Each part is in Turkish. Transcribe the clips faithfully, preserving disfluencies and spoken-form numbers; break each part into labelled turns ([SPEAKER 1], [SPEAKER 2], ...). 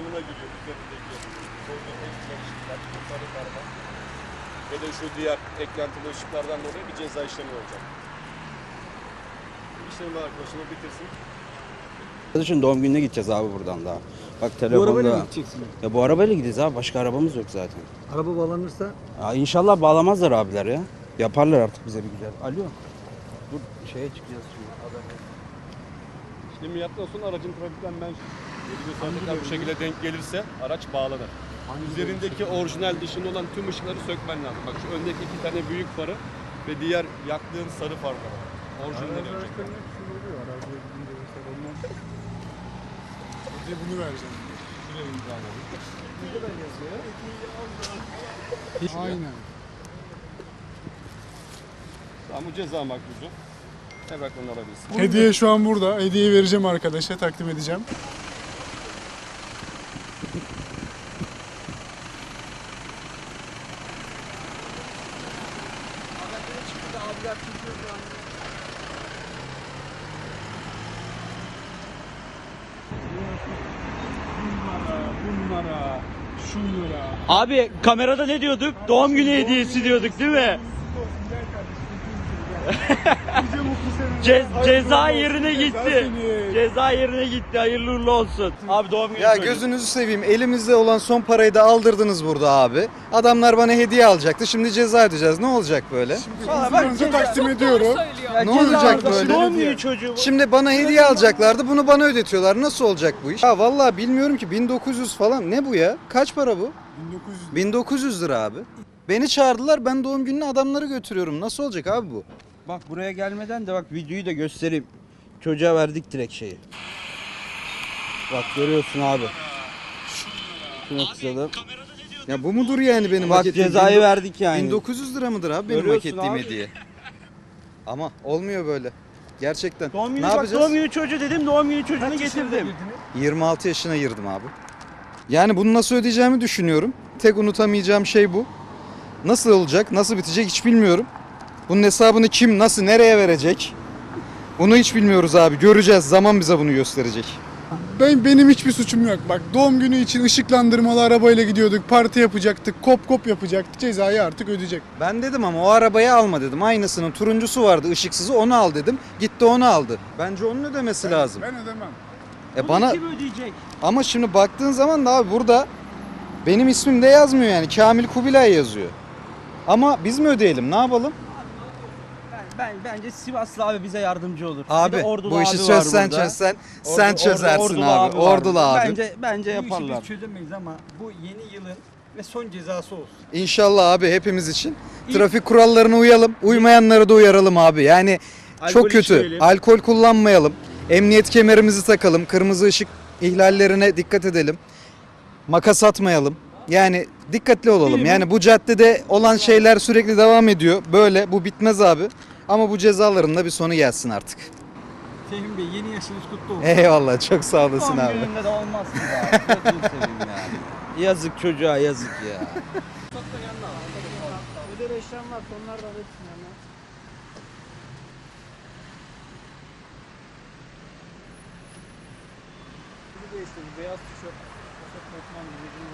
[SPEAKER 1] kapsamına giriyor üzerindeki koyduğum ekstra ışıklar, sarı parmak ve de şu diğer eklentili ışıklardan dolayı bir ceza işlemi olacak. İşlemi arkadaşını bitirsin.
[SPEAKER 2] Arkadaşın doğum gününe gideceğiz abi buradan daha. Bak
[SPEAKER 3] Bu
[SPEAKER 2] telefonda.
[SPEAKER 3] arabayla mı gideceksin?
[SPEAKER 2] Ya bu arabayla gideceğiz abi. Başka arabamız yok zaten.
[SPEAKER 3] Araba bağlanırsa
[SPEAKER 2] Ya inşallah bağlamazlar abiler ya. Yaparlar artık bize bir güzel. Alo. Dur şeye çıkacağız şimdi.
[SPEAKER 1] İşlemi yaptıktan sonra aracın trafikten ben yedi saatlikten bu şekilde denk gelirse araç bağlanır. Üzerindeki orijinal dışında olan tüm ışıkları sökmen lazım. Bak şu öndeki iki tane büyük farı ve diğer yaktığın sarı farları. Orijinalleri önce.
[SPEAKER 4] Size bunu vereceğim.
[SPEAKER 1] Şuraya imzaladım.
[SPEAKER 4] Aynen.
[SPEAKER 1] Tamam bu ceza makbuzu. Evraklarını alabilirsin.
[SPEAKER 4] Hediye şu an burada. Hediyeyi vereceğim arkadaşa, takdim edeceğim. Bunlara, şunlara.
[SPEAKER 5] Abi kamerada ne diyorduk? Doğum günü hediyesi diyorduk değil mi? Ce ceza yerine gitti. Ceza yerine gitti. Hayırlı uğurlu olsun. Abi doğum günü
[SPEAKER 6] Ya
[SPEAKER 5] söyle.
[SPEAKER 6] gözünüzü seveyim. Elimizde olan son parayı da aldırdınız burada abi. Adamlar bana hediye alacaktı. Şimdi ceza ödeyeceğiz. Ne olacak böyle?
[SPEAKER 4] Size takdim ediyorum.
[SPEAKER 6] Ne olacak böyle?
[SPEAKER 5] Doğum günü çocuğu.
[SPEAKER 6] Şimdi bana hediye alacaklardı. Bunu bana ödetiyorlar. Nasıl olacak bu iş? Ya vallahi bilmiyorum ki bin dokuz yüz falan. Ne bu ya? Kaç para bu?
[SPEAKER 4] bin dokuz yüz.
[SPEAKER 6] bin dokuz yüz lira abi. Beni çağırdılar. Ben doğum gününe adamları götürüyorum. Nasıl olacak abi bu?
[SPEAKER 2] Bak buraya gelmeden de bak videoyu da göstereyim. Çocuğa verdik direkt şeyi. Bak görüyorsun abi. Şunu kısalım.
[SPEAKER 6] Ya bu mudur yani benim
[SPEAKER 2] Bak
[SPEAKER 6] hak ettiğim?
[SPEAKER 2] cezayı
[SPEAKER 6] bin-
[SPEAKER 2] verdik yani.
[SPEAKER 6] bin dokuz yüz lira mıdır abi benim hak
[SPEAKER 2] Görüyorsun
[SPEAKER 6] ettiğim
[SPEAKER 2] abi.
[SPEAKER 6] hediye? Ama olmuyor böyle. Gerçekten.
[SPEAKER 5] Doğum günü
[SPEAKER 6] ne
[SPEAKER 5] bak
[SPEAKER 6] yapacağız?
[SPEAKER 5] doğum günü çocuğu dedim. Doğum günü çocuğunu getirdim.
[SPEAKER 6] yirmi altı yaşına girdim abi. Yani bunu nasıl ödeyeceğimi düşünüyorum. Tek unutamayacağım şey bu. Nasıl olacak, nasıl bitecek hiç bilmiyorum. Bunun hesabını kim, nasıl, nereye verecek? Bunu hiç bilmiyoruz abi. Göreceğiz. Zaman bize bunu gösterecek.
[SPEAKER 4] Ben benim hiçbir suçum yok. Bak doğum günü için ışıklandırmalı arabayla gidiyorduk. Parti yapacaktık. Kop kop yapacaktık. Cezayı artık ödeyecek.
[SPEAKER 6] Ben dedim ama o arabayı alma dedim. Aynısının turuncusu vardı, ışıksızı onu al dedim. Gitti onu aldı. Bence onun ödemesi lazım.
[SPEAKER 4] Ben ödemem.
[SPEAKER 6] E bana
[SPEAKER 5] Kim ödeyecek?
[SPEAKER 6] ama şimdi baktığın zaman da abi burada benim ismim de yazmıyor yani. Kamil Kubilay yazıyor. Ama biz mi ödeyelim? Ne yapalım?
[SPEAKER 5] Ben, ben bence Sivaslı abi bize yardımcı olur. Bir de
[SPEAKER 6] Abi
[SPEAKER 5] Ordulu
[SPEAKER 6] bu işi
[SPEAKER 5] abi var
[SPEAKER 6] çözsen
[SPEAKER 5] burada.
[SPEAKER 6] çözsen
[SPEAKER 5] Ordu-
[SPEAKER 6] sen
[SPEAKER 5] Ordu-
[SPEAKER 6] çözersin
[SPEAKER 5] Ordulu
[SPEAKER 6] abi.
[SPEAKER 5] var
[SPEAKER 6] Ordulu
[SPEAKER 5] burada.
[SPEAKER 6] abi.
[SPEAKER 5] Bence bence
[SPEAKER 3] bu işi
[SPEAKER 5] yaparlar.
[SPEAKER 3] biz çözemeyiz ama bu yeni yılın ve son cezası olsun.
[SPEAKER 6] İnşallah abi hepimiz için. Trafik kurallarına uyalım. Uymayanları da uyaralım abi. Yani
[SPEAKER 5] Alkol
[SPEAKER 6] çok kötü.
[SPEAKER 5] içmeyelim.
[SPEAKER 6] Alkol kullanmayalım. Emniyet kemerimizi takalım. Kırmızı ışık ihlallerine dikkat edelim. Makas atmayalım. Yani dikkatli olalım. Yani bu caddede olan şeyler sürekli devam ediyor. Böyle bu bitmez abi. Ama bu cezaların da bir sonu gelsin artık.
[SPEAKER 3] Fehmi Bey yeni yaşınız kutlu olsun.
[SPEAKER 6] Eyvallah çok sağ olasın
[SPEAKER 5] Doğum
[SPEAKER 6] abi.
[SPEAKER 5] gününde de olmaz ki ya. Gözünü seveyim yani.
[SPEAKER 2] Yazık çocuğa yazık ya.
[SPEAKER 3] Ödeme işlem var onlar da ödesin yani. Bir de işte bir beyaz tişört. Tişört Osman gibi.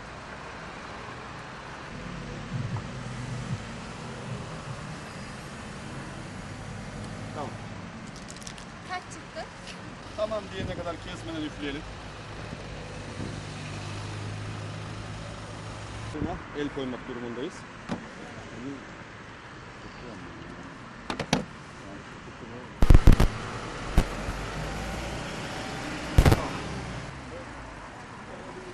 [SPEAKER 7] Kaç çıktı?
[SPEAKER 1] Tamam diyene kadar kesmeden üfleyelim. El koymak durumundayız.